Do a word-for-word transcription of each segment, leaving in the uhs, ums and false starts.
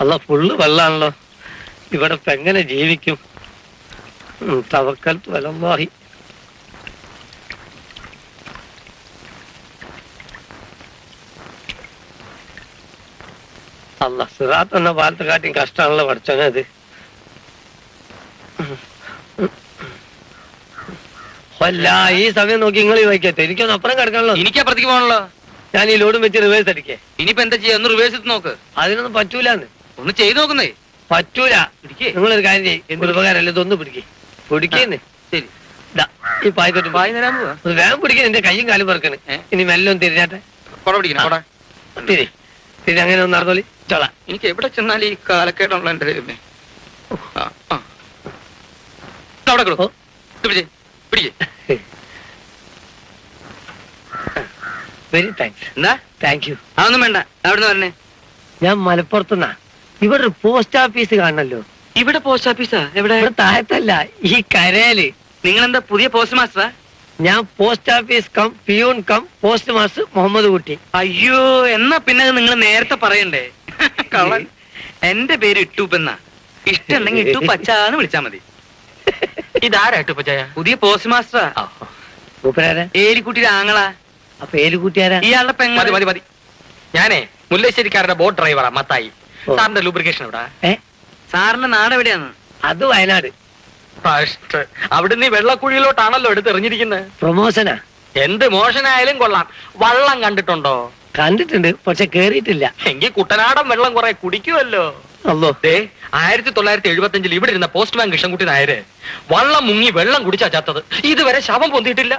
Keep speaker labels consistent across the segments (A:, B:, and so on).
A: അല്ല ഫുള്ള് വെള്ളാണല്ലോ, ഇവിടെ ഇപ്പൊ എങ്ങനെ ജീവിക്കും? തവക്കൽത്തു അലല്ലാഹി. അല്ല സിറാത്ത് എന്ന പാലത്തെ കാട്ടിയും കഷ്ടമാണല്ലോ പഠിച്ചോനെ അത്. അല്ല ഈ സമയം നോക്കി നിങ്ങൾ വയ്ക്കട്ടെ, എനിക്കൊന്ന് അപ്പുറം കിടക്കാണല്ലോ.
B: എനിക്ക് അപ്പുറത്തേക്ക് പോകണല്ലോ.
A: ഞാൻ ഈ ലോഡും വെച്ച് റിവേഴ്സ് അടിക്കേ.
B: ഇനിയിപ്പോ എന്താ ചെയ്യാ? ഒന്ന് റിവേഴ്സ് എടുത്ത് നോക്ക്.
A: അതിനൊന്നും പറ്റൂലെന്ന്.
B: ഒന്ന് ചെയ്ത് നോക്കുന്നേ.
A: പറ്റൂല. നിങ്ങളൊരു കാര്യം ചെയ്യും, ഉപകാരമല്ല, ഇതൊന്ന് പിടിക്കേ. പിടിക്കുന്നേ. ശരി, ഈ പായത്തോട്ട്
B: പായ തരാൻ പോവാ.
A: വേഗം പിടിക്കാൻ. എന്റെ കയ്യും കാലും പറക്കണ്. ഇനി മെല്ലെ ഒന്ന് തിരിഞ്ഞാട്ടെ.
B: കൊട പിടിക്കണം.
A: തിരി തിരി അങ്ങനെ ഒന്ന് നടന്നോളി. ചോള.
B: എനിക്ക് എവിടെ ചെന്നാൽ ഈ കാലക്കേടുള്ള എന്റെ ദൈവമേ. അവിടെ കിടക്കോ. പിടിച്ചേ പിടിക്കേ.
A: Very thanks.
B: എന്താ
A: താങ്ക് യു.
B: അതൊന്നും വേണ്ട. അവിടുന്ന് പറഞ്ഞേ.
A: ഞാൻ മലപ്പുറത്തുനിന്നാ. ഇവിടെ ഒരു പോസ്റ്റ് ഓഫീസ് കാണണല്ലോ.
B: ഇവിടെ പോസ്റ്റ് ഓഫീസാ? എവിടെ?
A: ഇവിടെ താഴത്തല്ല, ഈ കരയില്.
B: നിങ്ങൾ എന്താ പുതിയ പോസ്റ്റ് മാസ്റ്ററാ?
A: ഞാൻ post office cum peon cum post master Muhammad Kutty.
B: അയ്യോ, എന്നാ പിന്നെ നിങ്ങൾ നേരത്തെ പറയണ്ടേ. കള്ളൻ. എന്റെ പേര് ഇട്ടൂപ്പെന്നാ. ഇഷ്ടമുണ്ടെങ്കിൽ ഇട്ടു പച്ചാന്ന് വിളിച്ചാ മതി. ഇതാരാ ഇട്ടുപ്പച്ചായ? പുതിയ പോസ്റ്റ് മാസ്റ്ററാ. ഏലിക്കുട്ടിയുടെ ആങ്ങളാ.
A: അപ്പൊ ഏലിക്കുട്ടിയാരാ?
B: ഇയാളുടെ പെങ്ങ. മതി മതി മതി. ഞാനേ മുല്ലശ്ശേരിക്കാരുടെ ബോട്ട് ഡ്രൈവറാ, മത്തായി. സാറിന്റെ ലൂബ്രിക്കേഷൻ എവിടാ? സാറിന്റെ നാട് എവിടെയാണ്?
A: അത് വയനാട്.
B: അവിടുന്ന് വെള്ളക്കുഴിയിലോട്ടാണല്ലോ എടുത്തെറിഞ്ഞിരിക്കുന്നത്.
A: പ്രൊമോഷനാ.
B: എന്ത് മോശനായാലും കൊള്ളാം. വള്ളം കണ്ടിട്ടുണ്ടോ?
A: കണ്ടിട്ടുണ്ട്, പക്ഷെ കേറിയിട്ടില്ല.
B: എങ്കിൽ കുട്ടനാടൻ വെള്ളം കുറെ കുടിക്കുമല്ലോ.
A: അല്ലേ,
B: ആയിരത്തി തൊള്ളായിരത്തി എഴുപത്തി അഞ്ചിൽ ഇവിടെ ഇരുന്ന പോസ്റ്റ്മാൻ കൃഷ്ണൻകുട്ടി നായര് വള്ളം മുങ്ങി വെള്ളം കുടിച്ചാ ചത്തത്. ഇതുവരെ ശവം പൊന്തിയിട്ടില്ല.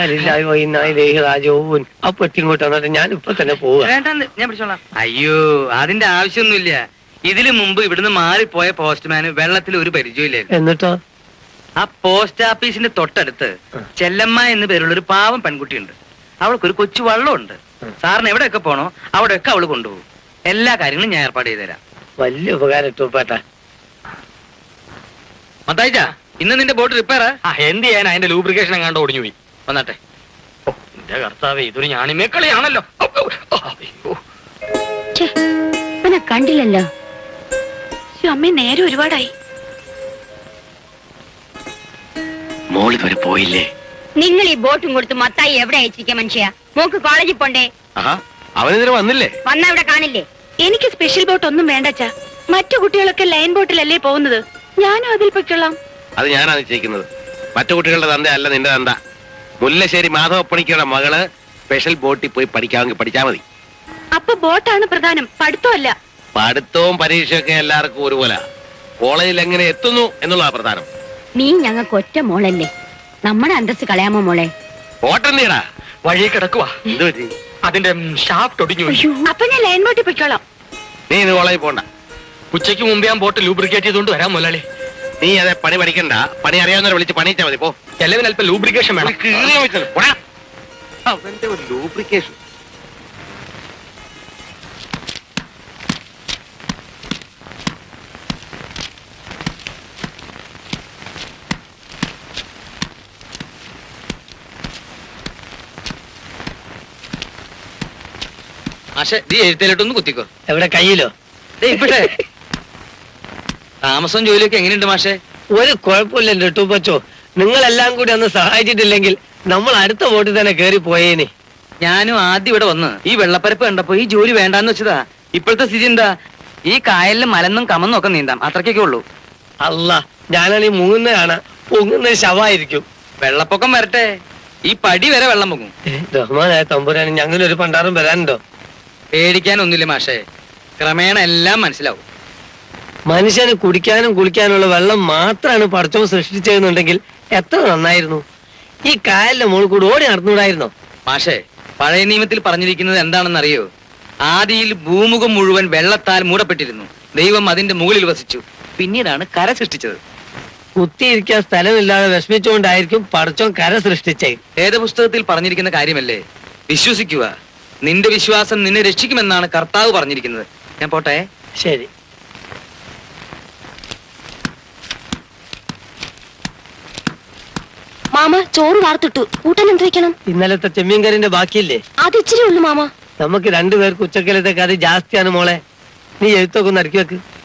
A: അപ്പൊ ഇങ്ങോട്ട് വന്നിട്ട് ഞാൻ ഇപ്പൊ തന്നെ പോവാ.
B: ഞാൻ പിടിച്ചോളാം. അയ്യോ, അതിന്റെ ആവശ്യമൊന്നുമില്ല. ഇതിനു മുമ്പ് ഇവിടുന്ന് മാറിപ്പോയ പോസ്റ്റ്മാന് വെള്ളത്തിൽ ഒരു പരിചയമില്ലായിരുന്നു.
A: എന്നിട്ടോ?
B: ആ പോസ്റ്റ് ഓഫീസിന്റെ തൊട്ടടുത്ത് ചെല്ലമ്മ എന്ന് പേരുള്ള ഒരു പാവം പെൺകുട്ടിയുണ്ട്. അവൾക്കൊരു കൊച്ചു വള്ളമുണ്ട്. സാറിന് എവിടെയൊക്കെ പോണോ അവിടെയൊക്കെ അവള് കൊണ്ടുപോകും. എല്ലാ കാര്യങ്ങളും ഞാൻ ഏർപ്പാട് ചെയ്തുതരാം.
A: വലിയ ഉപകാരം ഇട്ടൂപ്പേട്ടാ.
B: മത്തായിച്ചാ, ഇന്ന് നിന്റെ ബോട്ട് റിപ്പയറാ? എന്ത് ചെയ്യാൻ, അതിന്റെ ലൂബ്രിക്കേഷൻ എങ്ങാണ്ട് ഒടിഞ്ഞു പോയി. വന്നാട്ടെ. ഓ എന്റെ കർത്താവേ, ഇതൊരു ഞാണിമേക്കളിയാണല്ലോ.
C: കണ്ടില്ലല്ലോ. അമ്മ നേരെ ഒരുപാടായി.
A: മോളി വരെ പോയില്ലേ?
C: നിങ്ങൾ ഈ ബോട്ടും കൊടുത്ത് മത്തായി എവിടെ അയച്ചിരിക്കാം മനുഷ്യ? മോക്ക് കോളേജിൽ പോണ്ടേ?
A: അവനെതിരെ വന്നില്ലേ?
C: വന്ന അവിടെ കാണില്ലേ? എനിക്ക് സ്പെഷ്യൽ ബോട്ട് ഒന്നും വേണ്ടച്ചാ. മറ്റു കുട്ടികളൊക്കെ ലൈൻ ബോട്ടിലല്ലേ പോകുന്നത്. ഞാനും അതിൽ പൊയ്ക്കൊള്ളാം.
D: അത് ഞാനാണ് നിശ്ചയിക്കുന്നത്. മറ്റു കുട്ടികളുടെ തന്ത അല്ല നിന്റെ തന്ത. മുല്ലശ്ശേരി മാധവപ്പണിക്കയുടെ മകള് സ്പെഷ്യൽ ബോട്ടിൽ പോയി പഠിക്കാമെങ്കിൽ പഠിച്ചാ മതി.
C: അപ്പൊ ബോട്ടാണ് പ്രധാനം, പഠിത്തമല്ല.
D: പഠിത്തവും പരീക്ഷയൊക്കെ എല്ലാവർക്കും ഒരുപോലെ. കോളേജിൽ എങ്ങനെ എത്തുന്നു എന്നുള്ളതാ പ്രധാനം.
C: നീ ഞങ്ങൾക്ക് ഒറ്റ മോളല്ലേ, നമ്മുടെ അന്തസ് കളയാമോ മോളെ?
D: ബോട്ടെന്തിയടാ
B: വഴി കിടക്കുവാ.
D: എന്ത് പറ്റി?
B: അതിന്റെ ഷാഫ്റ്റ് ഒടിഞ്ഞു.
C: അപ്പൊ ഞാൻ ലൈൻ ബോട്ടിൽ പൊയ്ക്കോളാം.
D: നീ ഇന്ന് കോളേജിൽ പോണ്ട.
B: ഉച്ചയ്ക്ക് മുമ്പ് ഞാൻ ബോട്ട് ലൂബ്രിക്കേറ്റ് ചെയ്തുകൊണ്ട് വരാം മുതലാളി.
D: നീ അതെ പണി പഠിക്കണ്ട. പണി അറിയാവുന്നവരെ വിളിച്ച് പണിയിച്ചാ മതി. പോ.
B: എല്ലാവരും അല്പം ലൂബ്രിക്കേഷൻ വേണം.
D: അവന്റെ ഒരു ലൂബ്രിക്കേഷൻ.
B: ആശേ, നീ എഴുത്തേലിട്ടൊന്ന് കുത്തിക്കോ.
A: എവിടെ? കയ്യിലോ?
B: ഇവിടെ താമസം ജോലിയൊക്കെ എങ്ങനെയുണ്ട് മാഷേ?
A: ഒരു കുഴപ്പമില്ലല്ലോ ടൂപ്പച്ചോ. നിങ്ങളെല്ലാം കൂടി ഒന്ന് സഹായിച്ചിട്ടില്ലെങ്കിൽ നമ്മൾ അടുത്ത ബോട്ടിൽ തന്നെ കേറി പോയേനെ.
B: ഞാനും ആദ്യം ഇവിടെ വന്ന് ഈ വെള്ളപ്പരപ്പ് കണ്ടപ്പോ ഈ ജോലി വേണ്ടാന്ന് വെച്ചതാ. ഇപ്പോഴത്തെ സ്ഥിതി എന്താ? ഈ കായലിൽ മലന്നും കമന്നും ഒക്കെ നീന്താം, അത്രയ്ക്കൊക്കെ ഉള്ളൂ.
A: അല്ല, ഞാനാണീ മുങ്ങുന്ന കാണാ. പൊങ്ങുന്ന ശവായിരിക്കും.
B: വെള്ളപ്പൊക്കം വരട്ടെ, ഈ പടി വരെ വെള്ളം പൊങ്ങും.
A: റഹ്മാനായ തമ്പുരാന് ഞങ്ങളൊരു പണ്ടാറും വരാനുണ്ടോ?
B: പേടിക്കാനൊന്നുമില്ല മാഷേ, ക്രമേണ എല്ലാം മനസ്സിലാവും.
A: മനുഷ്യന് കുടിക്കാനും കുളിക്കാനുള്ള വെള്ളം മാത്രമാണ് പടച്ചോൻ സൃഷ്ടിച്ചതെന്നുണ്ടെങ്കിൽ എത്ര നന്നായിരുന്നു. ഈ കായലിന്റെ മുകളിൽ കൂടി ഓടി നടന്നുകൂടായിരുന്നോ?
B: മാഷേ, പഴയ നിയമത്തിൽ പറഞ്ഞിരിക്കുന്നത് എന്താണെന്ന് അറിയോ? ആദിയിൽ ഭൂമുഖം മുഴുവൻ വെള്ളത്താൽ മൂടപ്പെട്ടിരുന്നു. ദൈവം അതിന്റെ മുകളിൽ വസിച്ചു. പിന്നീടാണ് കര സൃഷ്ടിച്ചത്.
A: കുത്തിയിരിക്കാൻ സ്ഥലമില്ലാതെ വിഷമിച്ചുകൊണ്ടായിരിക്കും പടച്ചോൻ കര സൃഷ്ടിച്ചേ.
B: വേദപുസ്തകത്തിൽ പറഞ്ഞിരിക്കുന്ന കാര്യമല്ലേ, വിശ്വസിക്കുക. നിന്റെ വിശ്വാസം നിന്നെ രക്ഷിക്കുമെന്നാണ് കർത്താവ് പറഞ്ഞിരിക്കുന്നത്. ഞാൻ പോട്ടെ.
A: ശരി.
C: മാമ ചോറ് വാർത്തിട്ടു. കൂട്ടാൻ എന്ത് വെക്കണം?
A: ഇന്നലത്തെ ചെമ്മീൻ കറിന്റെ ബാക്കിയില്ലേ?
C: അത് ഇച്ചിരി ഉള്ളു മാമ.
A: നമുക്ക് രണ്ടുപേർക്ക് ഉച്ചക്കലത്തെ കറി ജാസ്തിയാണ് മോളെ. നീ എഴുത്തൊക്കെ ഒന്ന് അടുക്കി വെക്ക്.